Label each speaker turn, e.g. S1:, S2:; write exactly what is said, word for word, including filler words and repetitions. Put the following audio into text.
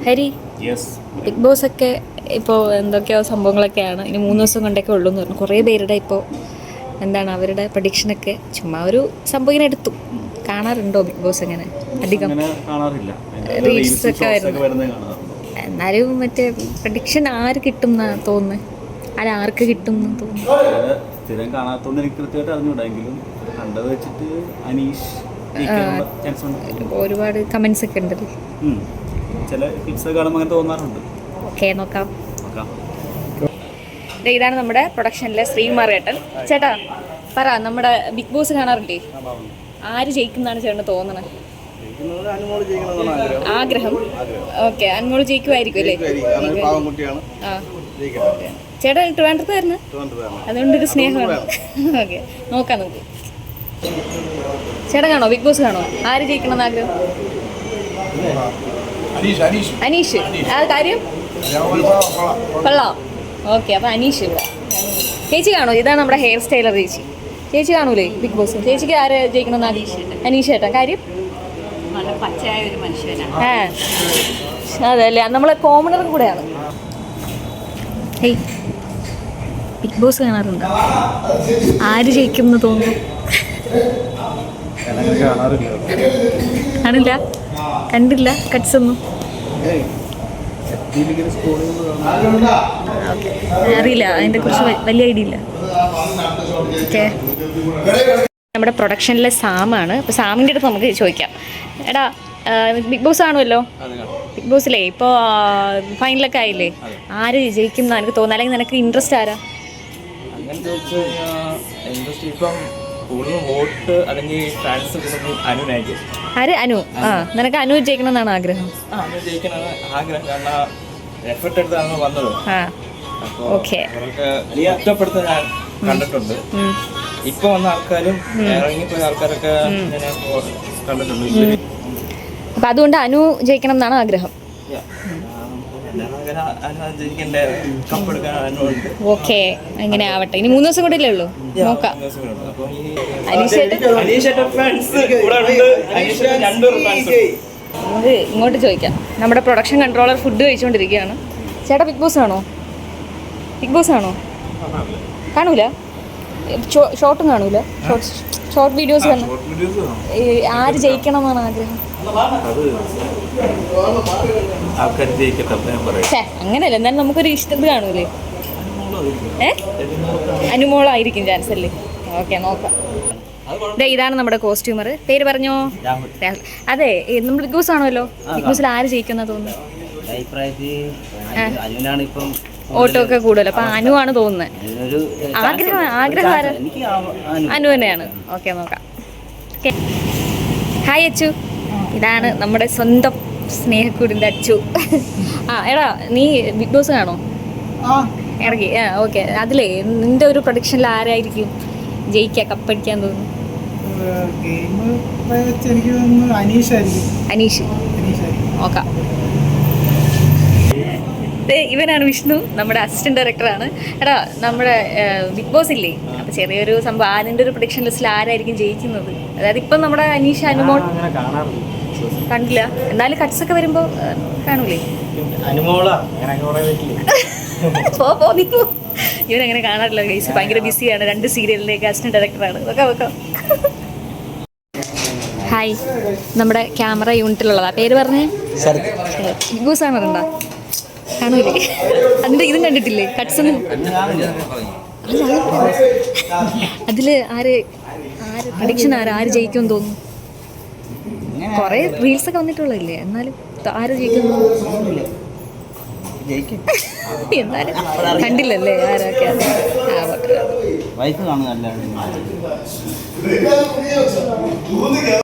S1: Hari, big boss ഒക്കെ ഇപ്പോൾ എന്തൊക്കെയോ സംഭവങ്ങളൊക്കെയാണ്, ഇനി മൂന്ന് ദിവസം കൊണ്ടൊക്കെ ഉള്ളൂ എന്ന് പറഞ്ഞു. കുറേ പേരുടെ ഇപ്പോൾ എന്താണ് അവരുടെ പ്രഡിക്ഷനൊക്കെ ചുമ്മാ ഒരു സംഭവം ഇങ്ങനെ എടുത്തു. കാണാറുണ്ടോ ബിഗ് ബോസ്? അങ്ങനെ അധികം റീൽസ് ഒക്കെ വരുന്നു. എന്നാലും മറ്റേ പ്രഡിക്ഷൻ ആര് കിട്ടും എന്നാ തോന്നുന്നത്? അത് ആർക്ക് കിട്ടും എന്ന് തോന്നുന്നു? ഒരുപാട് കമന്റ്സ് ഒക്കെ ഉണ്ടല്ലോ. ഓക്കെ, നോക്കാം. ഇതാണ് നമ്മുടെ പ്രൊഡക്ഷനിലെ ശ്രീകുമാർ ഏട്ടൻ. ചേട്ടാ പറ, നമ്മുടെ ബിഗ് ബോസ് കാണാറില്ലേ? ആര് ജയിക്കുന്നതാണ് ചേട്ടന് തോന്നണത്? ആഗ്രഹം. ഓക്കെ, അനുമോള് ജയിക്കുമായിരിക്കും അല്ലേ? ആ, ചേട്ടാ ട്രിവാൻഡ്രത്തായിരുന്നു, അതുകൊണ്ടൊരു സ്നേഹമാണ്. ഓക്കെ, നോക്കാം നമുക്ക്. ചേട്ടൻ കാണോ ബിഗ് ബോസ്? കാണോ? ആര് ജയിക്കണമെന്ന് ആഗ്രഹം? അനീഷ്. ആ കാര്യം കൊള്ളാം. ഓക്കെ, അപ്പൊ അനീഷ് ഇവിടെ. ചേച്ചി കാണോ? ഇതാണ് നമ്മുടെ ഹെയർ സ്റ്റൈലർ ചേച്ചി. ചേച്ചി കാണൂലേ ബിഗ് ബോസ്? ചേച്ചിക്ക് ആര് ജയിക്കണമെന്ന് ആഗ്രഹം? അനീഷ് ചേട്ടാ. കാര്യം
S2: പച്ചയായ ഒരു മനുഷ്യനാണ്.
S1: ആ അതല്ലേ, നമ്മളെ കോമണറും കൂടെയാണ്. ഹേയ്, ബിഗ് ബോസ് കാണാറുണ്ട്? ആര് ജയിക്കും എന്ന് തോന്നുന്നു? കാണില്ല, കണ്ടില്ല കട്ട്സ് ഒന്നും. അറിയില്ല, അതിനെ കുറിച്ച് വലിയ ഐഡിയ ഇല്ല. ഓക്കെ, നമ്മുടെ പ്രൊഡക്ഷനിലെ സാമാണ്. അപ്പോൾ സാമിൻ്റെ അടുത്ത് നമുക്ക് ചോദിക്കാം. എടാ, ബിഗ് ബോസ് കാണുമല്ലോ? ബിഗ് ബോസിലേ ഇപ്പോൾ ഫൈനലൊക്കെ ആയില്ലേ? ആര് ജയിക്കും എന്നാണ് എനിക്ക് തോന്നുന്നത്? അല്ലെങ്കിൽ നിനക്ക് ഇൻട്രസ്റ്റ് ആരാ? ആര്? അനു. ആ, നിനക്ക് അനു ജയിക്കണം എന്നാണ് ആഗ്രഹം? ഓക്കെ,
S3: കണ്ടിട്ടുണ്ട്. ഇപ്പൊ വന്ന ആൾക്കാരും ഇറങ്ങിപ്പോയ ആൾക്കാരൊക്കെ കണ്ടിട്ടുണ്ട്.
S1: അപ്പൊ അതുകൊണ്ട് അനു ജയിക്കണം എന്നാണ് ആഗ്രഹം. ഓക്കെ, അങ്ങനെ ആവട്ടെ. ഇനി മൂന്ന് ദിവസം കൂടെ ഇല്ലേ ഉള്ളൂ, നോക്കാം. നമുക്ക് ഇങ്ങോട്ട് ചോദിക്കാം. നമ്മുടെ പ്രൊഡക്ഷൻ കൺട്രോളർ ഫുഡ് കഴിച്ചുകൊണ്ടിരിക്കുകയാണ്. ചേട്ടാ ബിഗ് ബോസ് ആണോ? ബിഗ് ബോസ് ആണോ? കാണൂല? ഷോർട്ടും കാണൂല? ഷോർട്ട് വീഡിയോസ് കാണും. ആര് ജയിക്കണം എന്നാണ് ആഗ്രഹം? അങ്ങനെയല്ല, എന്നാലും നമുക്കൊരു ഇഷ്ടം കാണൂലേ? ഏ അനുമോളായിരിക്കും ചാൻസ് അല്ലേ? ഓക്കെ, നോക്കാം. ഇതാണ് നമ്മുടെ കോസ്റ്റ്യൂമർ. പേര് പറഞ്ഞോ? രാഹുൽ. അതെ, നമ്മൾ ബിഗ് ബോസ് ആണല്ലോ. ബിഗ് ബോസിൽ ആര് ജയിക്കുന്ന തോന്നുന്നു? ഓട്ടോ ഒക്കെ കൂടുതൽ, അപ്പൊ അനു ആണ് തോന്നുന്നത്. ആഗ്രഹം ആഗ്രഹം ആരാ? അനു തന്നെയാണ്. ഓക്കെ, നോക്കാം. ഹായ് അച്ചു. ഇതാണ് നമ്മുടെ സ്വന്തം സ്നേഹക്കൂടിൻ്റെ അച്ചു. ആ എടാ, നീ ബിഗ് ബോസ് കാണോ? ഇറങ്ങി. ആ ഓക്കെ, അതിലേ നിന്റെ ഒരു പ്രൊഡിക്ഷനിൽ ആരായിരിക്കും ജയിക്കുക, കപ്പടിക്കാൻ തോന്നുന്നു? അനീഷ്. നോക്കാം. ഇവനാണ് വിഷ്ണു, നമ്മുടെ അസിസ്റ്റന്റ് ഡയറക്ടറാണ്. എടാ, നമ്മുടെ ബിഗ് ബോസ് ഇല്ലേ, അപ്പൊ ചെറിയൊരു സംഭവം, അതിന്റെ ഒരു പ്രൊഡിക്ഷൻ ലിസ്റ്റിൽ ആരായിരിക്കും ജയിക്കുന്നത്? അതായത് ഇപ്പം നമ്മുടെ അനീഷ്, അനുമോൾ കണ്ടില്ല, എന്നാലും കട്ട്സ് ഒക്കെ വരുമ്പോ കാണൂലേ? പോ പോ നീ പോ. ഇവനങ്ങനെ കാണാറില്ല ഗൈസ്, ഭയങ്കര ബിസിയാണ്. രണ്ട് സീരിയലിലേക്ക് അസിസ്റ്റന്റ് ഡയറക്ടറാണ്. വെക്കാം വെക്കാം. ഹായ്, നമ്മുടെ ക്യാമറ യൂണിറ്റിലുള്ളതാ. പേര് പറഞ്ഞേ? ബിഗ് ബോസ് കാണാറുണ്ടോ? കാണൂലേ? അതിന്റെ ഇതും കണ്ടിട്ടില്ലേ? കട്ട്സ് ഒന്നും അതില് ആര് ആര് പ്രഡിക്ഷൻ ആര് ആര് ജയിക്കുമെന്ന് തോന്നുന്നു? കൊറേ റീൽസ് ഒക്കെ വന്നിട്ടുള്ളതല്ലേ, എന്നാലും ആര് ജയിക്കുന്നു? എന്നാലും കണ്ടില്ലല്ലേ ആരൊക്കെ? ആ